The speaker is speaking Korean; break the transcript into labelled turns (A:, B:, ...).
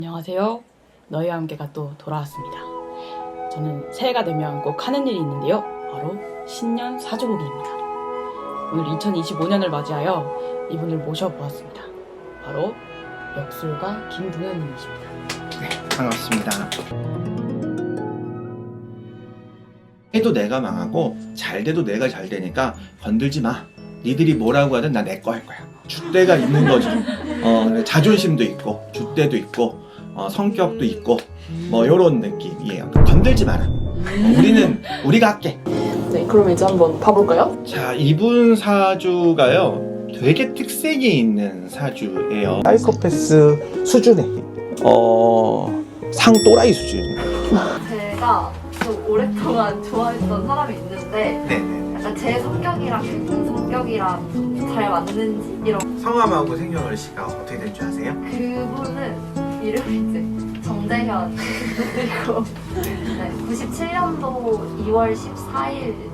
A: 안녕하세요. 너희와 함께가 또 돌아왔습니다. 저는 새해가 되면 꼭 하는 일이 있는데요. 바로 신년 사주보기입니다. 오늘 2025년을 맞이하여 이분을 모셔보았습니다. 바로 역술가 김동현님이십니다.
B: 네, 반갑습니다. 해도 내가 망하고 잘 돼도 내가 잘 되니까 건들지 마. 니들이 뭐라고 하든 나 내 거 할 거야. 줏대가 있는 거죠. 자존심도 있고 줏대도 있고 성격도 있고 뭐 요런 느낌이에요. 건들지 마라. 우리는 우리가 할게.
C: 네, 그럼 이제 한번 봐볼까요?
B: 자, 이분 사주가요 되게 특색이 있는 사주예요. 사이코패스 수준의 상 또라이 수준.
D: 제가 좀 오랫동안 좋아했던 사람이 있는데
B: 네네.
D: 약간 제 성격이랑 그분 성격이랑 좀 잘 맞는지 이런.
B: 성함하고 생년월 시가 어떻게 될 줄 아세요?
D: 그분은 이름이 이제 정재현 그리고 네, 97년도 2월 14일